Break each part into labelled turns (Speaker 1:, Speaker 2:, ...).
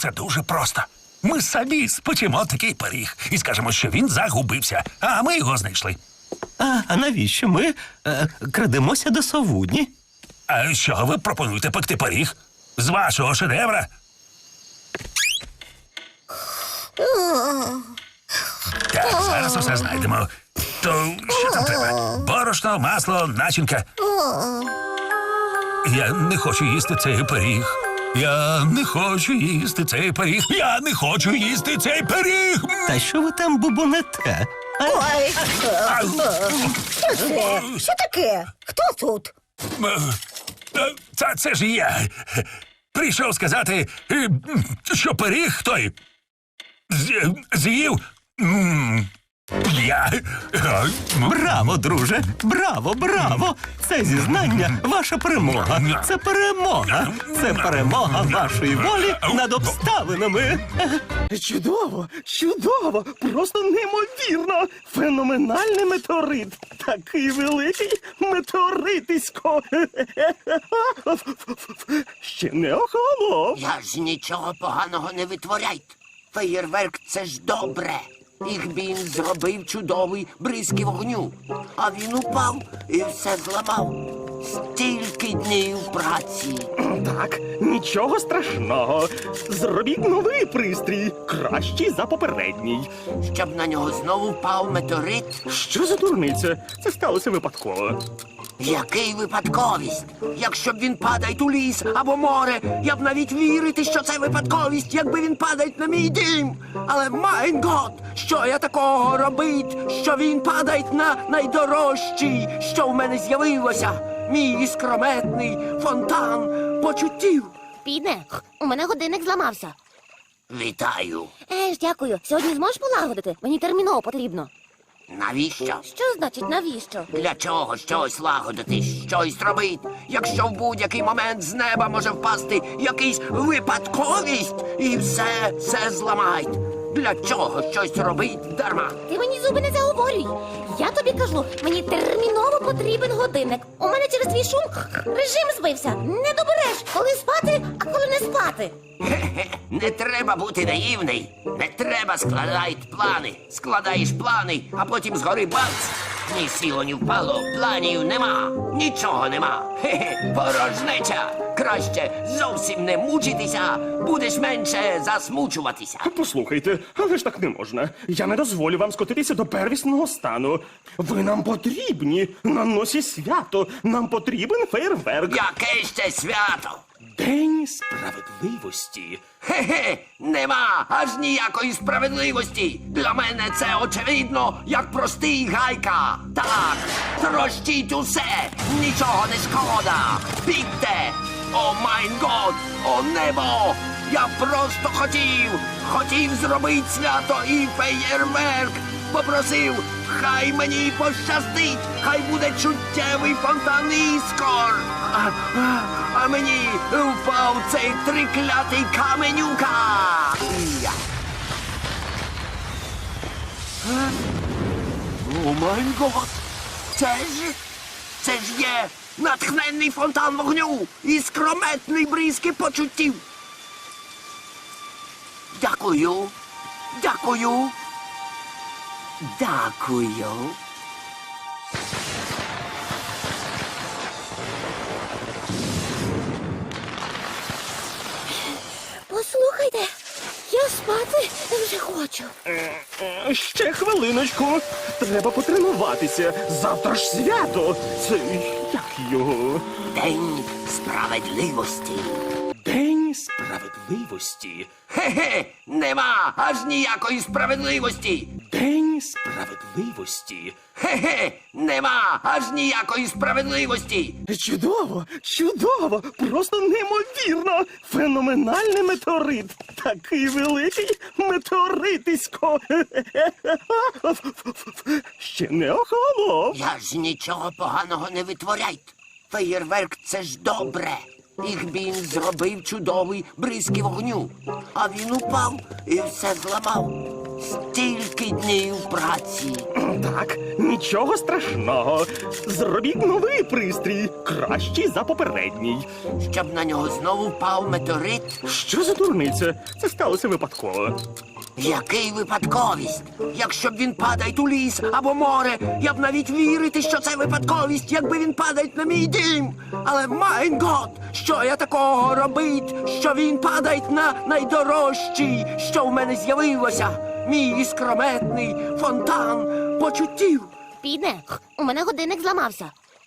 Speaker 1: все дуже просто. Ми самі спечемо такий пиріг і скажемо, що він загубився, а ми його знайшли.
Speaker 2: А навіщо ми крадемося до совудні?
Speaker 1: А що ви пропонуєте пекти пиріг? З вашого шедевра? Так, зараз усе знайдемо. То що там треба? Борошно, масло, начинка. Я не хочу їсти цей пиріг. Я не хочу їсти цей пиріг. Я не хочу їсти цей пиріг.
Speaker 2: Та що ви там бубонете?
Speaker 3: Ой,
Speaker 1: Ау.
Speaker 3: що це? Що таке? Хто тут?
Speaker 1: Це ж я. Прийшов сказати, що пиріг той з'їв. Я.
Speaker 2: Браво, друже! Браво, браво! Це зізнання – ваша перемога. Це перемога. Це перемога вашої волі над обставинами.
Speaker 4: Чудово, чудово, просто неймовірно. Феноменальний метеорит. Такий великий метеоритисько. Ще не охолонув.
Speaker 5: Я ж нічого поганого не витворяйте. Феєрверк – це ж добре. Ігбін зробив чудовий бризки вогню. А він упав і все зламав. Стільки днів праці.
Speaker 4: Так, нічого страшного. Зробіть новий пристрій, кращий за попередній.
Speaker 5: Щоб на нього знову впав метеорит.
Speaker 4: Що за дурниця? Це сталося випадково.
Speaker 5: Який випадковість? Якщо б він падає у ліс або море, я б навіть вірити, що це випадковість, якби він падає на мій дім. Але, майн гот, що я такого робить, що він падає на найдорожчий, що в мене з'явилося? Мій іскрометний фонтан почуттів.
Speaker 6: Піде, у мене годинник зламався.
Speaker 5: Вітаю.
Speaker 6: Дякую. Сьогодні зможеш полагодити? Мені терміново потрібно.
Speaker 5: Навіщо?
Speaker 6: Що значить навіщо?
Speaker 5: Для чого щось лагодити, щось робити, якщо в будь-який момент з неба може впасти якийсь випадковість і все зламають? Для чого щось робить дарма?
Speaker 6: Ти мені зуби не заговорюй. Я тобі кажу, мені терміново потрібен годинник. У мене через твій шум режим збився. Не добереш, коли спати, а коли не спати.
Speaker 5: Хе-хе, не треба бути наївний. Не треба складати плани. Складаєш плани, а потім згори бац. Ні сіло, ні впало, планів нема, нічого нема. Хе-хе, порожнеча. Краще зовсім не мучитися, будеш менше засмучуватися.
Speaker 4: Послухайте, але ж так не можна. Я не дозволю вам скотитися до первісного стану. Ви нам потрібні. На носі свято. Нам потрібен фейерверк.
Speaker 5: Яке ще свято?
Speaker 4: День справедливості.
Speaker 5: Хе-хе, нема аж ніякої справедливості. Для мене це очевидно, як простий гайка. Так, трощіть усе, нічого не шкода. Бігте! О майн год, о небо! Я просто хотів зробити свято і феєрверк. Попросив, хай мені пощастить, хай буде чуттєвий фонтан іскор. А мені впав цей триклятий каменюка. О май гот! Це ж є натхненний фонтан вогню і скрометний бризки почуттів. Дякую. Дякую. Дякую.
Speaker 6: Послухайте, я спати вже хочу.
Speaker 4: Ще хвилиночку. Треба потренуватися. Завтра ж свято. Це як його?
Speaker 5: День справедливості.
Speaker 4: День справедливості.
Speaker 5: Хе-хе, нема аж ніякої справедливості.
Speaker 4: День справедливості.
Speaker 5: Хе-хе, нема аж ніякої справедливості.
Speaker 4: Чудово, чудово, просто неймовірно. Феноменальний метеорит. Такий великий метеоритисько. Ще не охолонув.
Speaker 5: Я ж нічого поганого не витворяйте. Феєрверк – це ж добре. Ігбін зробив чудовий бризки вогню. А він упав і все зламав. Стільки днів праці.
Speaker 4: Так, нічого страшного. Зробіть новий пристрій, кращий за попередній.
Speaker 5: Щоб на нього знову впав метеорит.
Speaker 4: Що за дурниця? Це сталося випадково.
Speaker 5: Який випадковість? Якщо б він падає у ліс або море, я б навіть вірити, що це випадковість, якби він падає на мій дім. Але майн гот, що я такого робить, що він падає на найдорожчий, що в мене з'явилося, мій іскрометний фонтан почуттів.
Speaker 6: Піде, у мене годинник зламався.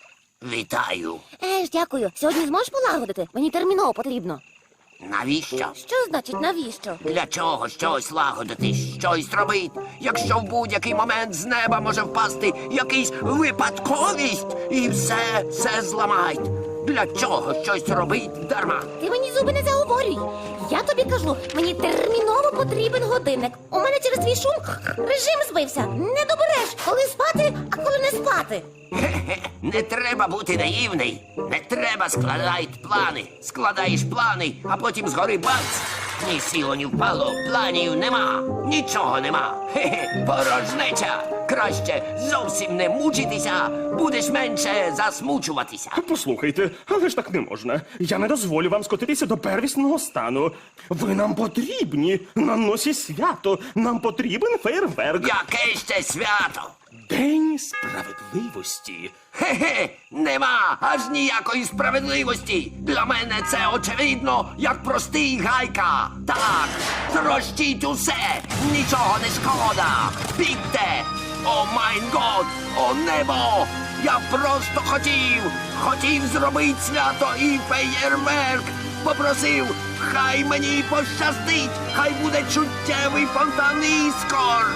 Speaker 5: Вітаю.
Speaker 6: Дякую. Сьогодні зможеш полагодити? Мені терміново потрібно.
Speaker 5: Навіщо?
Speaker 6: Що значить навіщо?
Speaker 5: Для чого щось лагодити, щось робить, якщо в будь-який момент з неба може впасти якийсь випадковість і все зламають? Для чого щось робить дарма?
Speaker 6: Ти мені зуби не заговорюй. Я тобі кажу, мені терміново потрібен годинник. У мене через твій шум режим збився. Не добереш, коли спати, а коли не спати.
Speaker 5: Хе-хе, не треба бути наївний. Не треба складати плани. Складаєш плани, а потім згори бац. Ні сіло, ні впало, планів нема, нічого нема. Хе-хе, порожнеча. Краще зовсім не мучитися, будеш менше засмучуватися.
Speaker 4: Послухайте, але ж так не можна. Я не дозволю вам скотитися до первісного стану. Ви нам потрібні на носі свято. Нам потрібен фейерверк.
Speaker 5: Яке ще свято?
Speaker 4: День справедливості.
Speaker 5: Хе-хе, нема аж ніякої справедливості. Для мене це очевидно, як простий гайка. Так, трощіть усе, нічого не шкода. Бігте! О майн год, о небо! Я просто хотів зробити свято і феєрверк. Попросив, хай мені пощастить, хай буде чуттєвий фонтан іскор.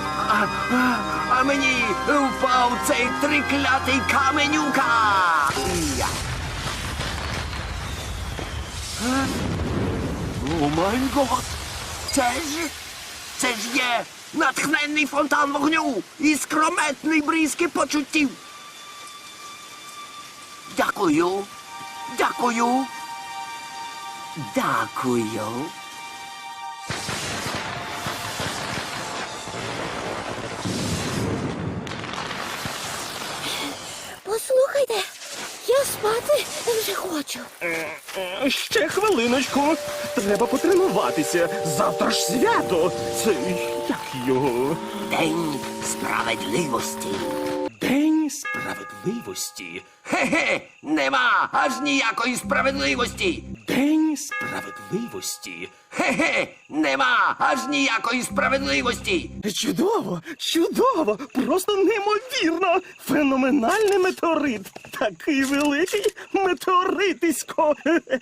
Speaker 5: А мені впав цей триклятий каменюка. Я. О май гот! Це ж є натхненний фонтан вогню і скрометний бризки почуттів. Дякую. Дякую. Дякую.
Speaker 6: Послухайте, я спати вже хочу.
Speaker 4: Ще хвилиночку. Треба потренуватися. Завтра ж свято. Це як його?
Speaker 5: День справедливості.
Speaker 4: День справедливості.
Speaker 5: Хе-хе, нема аж ніякої справедливості.
Speaker 4: День справедливості.
Speaker 5: Хе-хе, нема аж ніякої справедливості.
Speaker 4: Чудово, чудово, просто неймовірно. Феноменальний метеорит. Такий великий метеоритисько.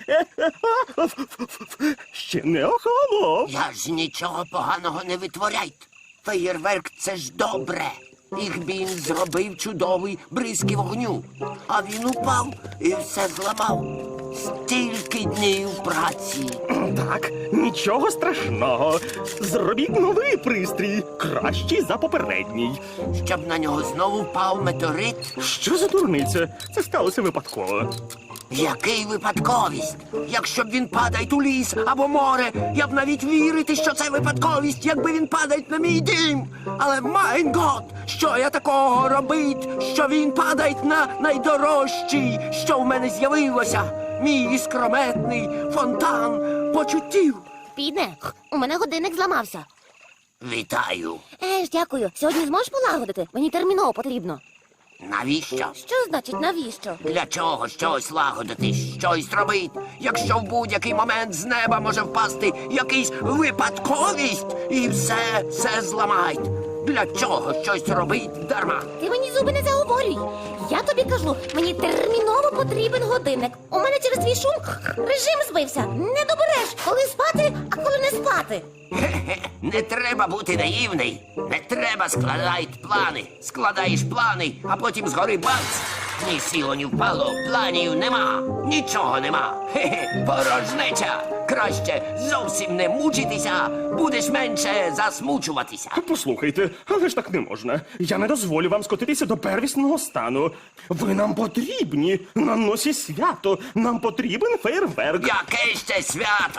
Speaker 4: Ще не охолонув.
Speaker 5: Я ж нічого поганого не витворяйте. Феєрверк — це ж добре. Їх він зробив чудовий бризки вогню. А він упав і все зламав. Стільки днів праці.
Speaker 4: Так, нічого страшного. Зробіть новий пристрій, кращий за попередній.
Speaker 5: Щоб на нього знову впав метеорит.
Speaker 4: Що за дурниця? Це сталося випадково.
Speaker 5: Який випадковість? Якщо б він падає у ліс або море, я б навіть вірити, що це випадковість, якби він падає на мій дім. Але майн гот, що я такого робить, що він падає на найдорожчий, що в мене з'явилося, мій іскрометний фонтан почуттів.
Speaker 6: Піде, у мене годинник зламався.
Speaker 5: Вітаю.
Speaker 6: Дякую. Сьогодні зможеш полагодити? Мені терміново потрібно.
Speaker 5: Навіщо?
Speaker 6: Що значить навіщо?
Speaker 5: Для чого щось лагодити, щось робить, якщо в будь-який момент з неба може впасти якийсь випадковість і все зламають? Для чого щось робить дарма?
Speaker 6: Ти мені зуби не заговорюй. Я тобі кажу, мені терміново потрібен годинник. У мене через твій шум режим збився. Не добереш, коли спати, а коли не спати.
Speaker 5: Хе-хе, не треба бути наївний. Не треба складати плани. Складаєш плани, а потім згори бац. Ні сіло, ні впало, планів нема, нічого нема. Хе-хе, порожнеча. Краще зовсім не мучитися, будеш менше засмучуватися.
Speaker 4: Послухайте, але ж так не можна. Я не дозволю вам скотитися до первісного стану. Ви нам потрібні на носі свято. Нам потрібен фейерверк.
Speaker 5: Яке ще свято?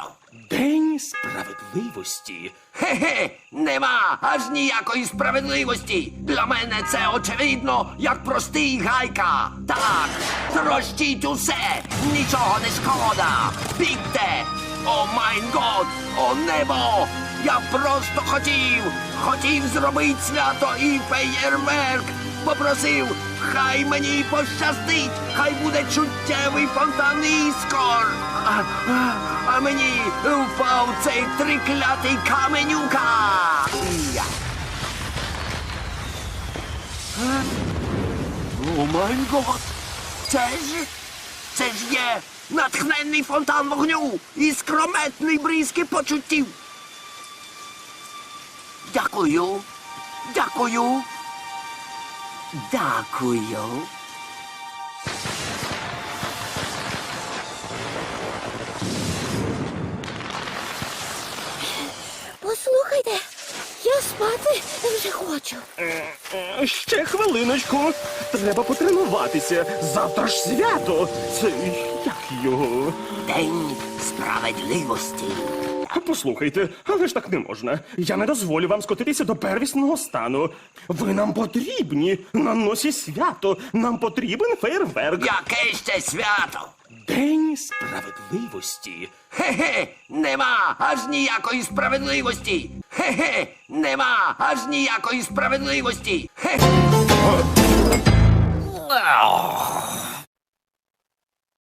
Speaker 4: День справедливості.
Speaker 5: Хе-хе, нема аж ніякої справедливості. Для мене це очевидно, як простий гайка. Так, трощіть усе, нічого не шкода. Бігте! О майн год, о небо! Я просто хотів зробити свято і феєрверк. Попросив, хай мені пощастить, хай буде чуттєвий фонтан іскор. А мені впав цей триклятий каменюка. Я. О май гот! Це ж є натхненний фонтан вогню і скрометний бризки почуттів. Дякую. Дякую. Дякую.
Speaker 6: Послухайте, я спати вже хочу.
Speaker 4: Ще хвилиночку. Треба потренуватися. Завтра ж свято. Це як його?
Speaker 5: День справедливості.
Speaker 4: Послухайте, але ж так не можна. Я не дозволю вам скотитися до первісного стану. Ви нам потрібні. На носі свято. Нам потрібен фейерверк.
Speaker 5: Яке ще свято?
Speaker 4: День справедливості.
Speaker 5: Хе-хе, нема аж ніякої справедливості. Хе-хе, нема аж ніякої справедливості. Хе-хе.